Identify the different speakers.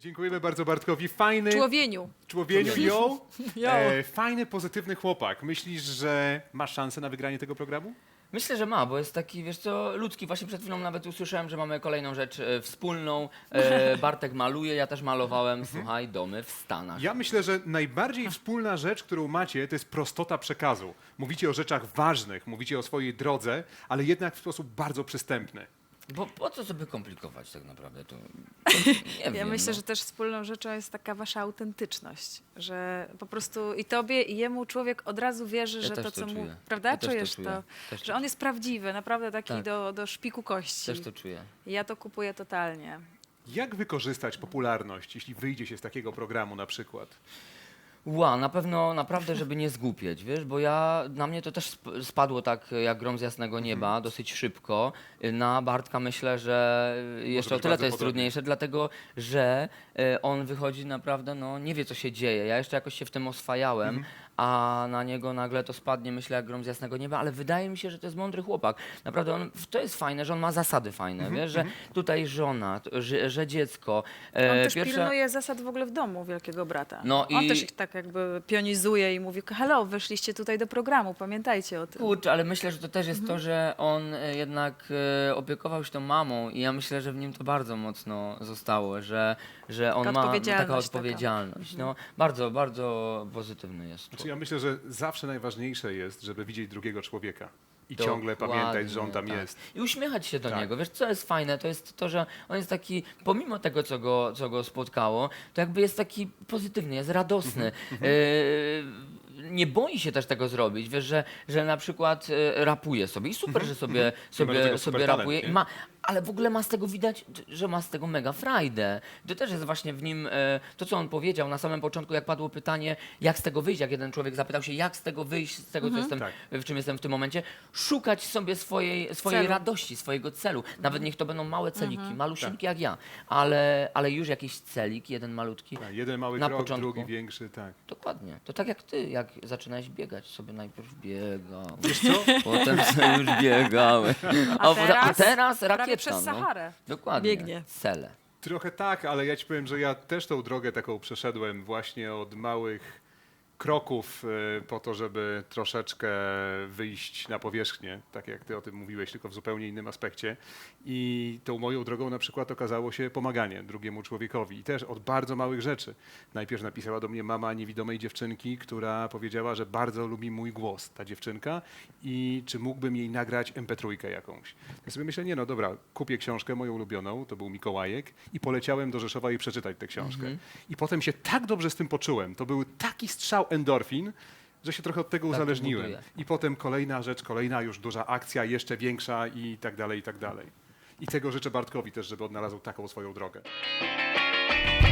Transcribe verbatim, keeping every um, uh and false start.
Speaker 1: Dziękujemy bardzo Bartkowi. Fajny...
Speaker 2: Człowieniu.
Speaker 1: Człowieniu, yo.
Speaker 2: Yo.
Speaker 1: E, fajny, pozytywny chłopak. Myślisz, że masz szansę na wygranie tego programu?
Speaker 3: Myślę, że ma, bo jest taki, wiesz co, ludzki. Właśnie przed chwilą nawet usłyszałem, że mamy kolejną rzecz e, wspólną. E, Bartek maluje, ja też malowałem, słuchaj, domy w Stanach.
Speaker 1: Ja myślę, że najbardziej wspólna rzecz, którą macie, to jest prostota przekazu. Mówicie o rzeczach ważnych, mówicie o swojej drodze, ale jednak w sposób bardzo przystępny.
Speaker 3: Bo po co sobie komplikować tak naprawdę? To, nie
Speaker 2: Ja
Speaker 3: wiem,
Speaker 2: myślę,
Speaker 3: no.
Speaker 2: że też wspólną rzeczą jest taka wasza autentyczność, że po prostu i tobie, i jemu człowiek od razu wierzy,
Speaker 3: Ja
Speaker 2: że
Speaker 3: też
Speaker 2: to,
Speaker 3: to
Speaker 2: co mu...
Speaker 3: czuję.
Speaker 2: Prawda?
Speaker 3: Ja też to
Speaker 2: Czujesz
Speaker 3: czuję.
Speaker 2: to,
Speaker 3: Też to
Speaker 2: że on jest prawdziwy, naprawdę taki
Speaker 3: Tak.
Speaker 2: do, do szpiku kości.
Speaker 3: Też to czuję.
Speaker 2: I ja to kupuję totalnie.
Speaker 1: Jak wykorzystać popularność, jeśli wyjdzie się z takiego programu na przykład?
Speaker 3: Ła, na pewno, naprawdę, żeby nie zgłupieć, wiesz, bo ja, na mnie to też sp- spadło tak jak grom z jasnego nieba,
Speaker 1: Mhm.
Speaker 3: dosyć szybko. Na Bartka myślę, że jeszcze o
Speaker 1: być
Speaker 3: tyle
Speaker 1: bardzo
Speaker 3: to jest
Speaker 1: podobnie.
Speaker 3: trudniejsze, dlatego, że e, on wychodzi naprawdę, no nie wie co się dzieje. Ja jeszcze jakoś się w tym oswajałem,
Speaker 1: Mhm.
Speaker 3: a na niego nagle to spadnie, myślę, jak grom z jasnego nieba, ale wydaje mi się, że to jest mądry chłopak. Naprawdę, on, to jest fajne, że on ma zasady fajne,
Speaker 1: Mhm,
Speaker 3: wiesz, że tutaj żona, t- że, że dziecko.
Speaker 2: On
Speaker 3: e,
Speaker 2: też
Speaker 3: pierwsze-
Speaker 2: pilnuje zasad w ogóle w domu Wielkiego Brata.
Speaker 3: No
Speaker 2: On
Speaker 3: i-
Speaker 2: też ich tak jakby pionizuje i mówi, hello, wyszliście tutaj do programu, pamiętajcie o tym.
Speaker 3: Kurczę, ale myślę, że to też jest
Speaker 2: Mhm.
Speaker 3: to, że on e, jednak e, opiekował się tą mamą i ja myślę, że w nim to bardzo mocno zostało, że, że on
Speaker 2: Taka
Speaker 3: ma no,
Speaker 2: odpowiedzialność
Speaker 3: taką
Speaker 2: taka.
Speaker 3: odpowiedzialność. No, bardzo, bardzo pozytywny jest.
Speaker 1: Znaczy, ja myślę, że zawsze najważniejsze jest, żeby widzieć drugiego człowieka i
Speaker 3: To
Speaker 1: ciągle pamiętać, że on tam
Speaker 3: dokładnie, tak.
Speaker 1: jest.
Speaker 3: I uśmiechać się do
Speaker 1: Tak.
Speaker 3: niego. Wiesz, co jest fajne? To jest to, że on jest taki, pomimo tego, co go, co go spotkało, to jakby jest taki pozytywny, jest radosny.
Speaker 1: Mhm,
Speaker 3: E, nie boi się też tego zrobić, wiesz, że, że na przykład e, rapuje sobie i super, że sobie,
Speaker 1: Ma do
Speaker 3: sobie,
Speaker 1: tego
Speaker 3: sobie
Speaker 1: super talent,
Speaker 3: rapuje,
Speaker 1: nie?
Speaker 3: i ma, ale w ogóle ma z tego widać, że ma z tego mega frajdę. To też jest właśnie w nim e, to, co on powiedział na samym początku, jak padło pytanie, jak z tego wyjść, jak jeden człowiek zapytał się, jak z tego wyjść, z tego, co jestem,
Speaker 1: Tak.
Speaker 3: w czym jestem w tym momencie, szukać sobie swojej, swojej
Speaker 2: Celu.
Speaker 3: radości, swojego celu. Nawet niech to będą małe celiki,
Speaker 2: Mhm.
Speaker 3: malusieńkie jak ja, ale, ale już jakiś celik, jeden malutki.
Speaker 1: Tak, jeden mały
Speaker 3: Na
Speaker 1: krok,
Speaker 3: początku.
Speaker 1: drugi większy, tak.
Speaker 3: Dokładnie. To tak jak ty, jak zaczynałeś biegać, sobie najpierw biegał,
Speaker 1: Wiesz co?
Speaker 3: potem sobie już biegałeś.
Speaker 2: A
Speaker 3: a
Speaker 2: teraz
Speaker 3: teraz
Speaker 2: Prawie
Speaker 3: rakieta.
Speaker 2: przez
Speaker 3: no.
Speaker 2: Saharę.
Speaker 3: Dokładnie.
Speaker 2: biegnie.
Speaker 3: Cele.
Speaker 1: Trochę tak, ale ja ci powiem, że ja też tą drogę taką przeszedłem właśnie od małych kroków e, po to, żeby troszeczkę wyjść na powierzchnię, tak jak ty o tym mówiłeś, tylko w zupełnie innym aspekcie. I tą moją drogą na przykład okazało się pomaganie drugiemu człowiekowi i też od bardzo małych rzeczy. Najpierw napisała do mnie mama niewidomej dziewczynki, która powiedziała, że bardzo lubi mój głos, ta dziewczynka, i czy mógłbym jej nagrać em pe trzy jakąś. Ja sobie myślę, nie no dobra, kupię książkę moją ulubioną, to był Mikołajek, i poleciałem do Rzeszowa i przeczytać tę książkę. I potem się tak dobrze z tym poczułem, to był taki strzał endorfin, że się trochę od tego
Speaker 3: Tak to
Speaker 1: uzależniłem.
Speaker 3: buduje.
Speaker 1: I potem kolejna rzecz, kolejna już duża akcja, jeszcze większa i tak dalej, i tak dalej. I tego życzę Bartkowi też, żeby odnalazł taką swoją drogę.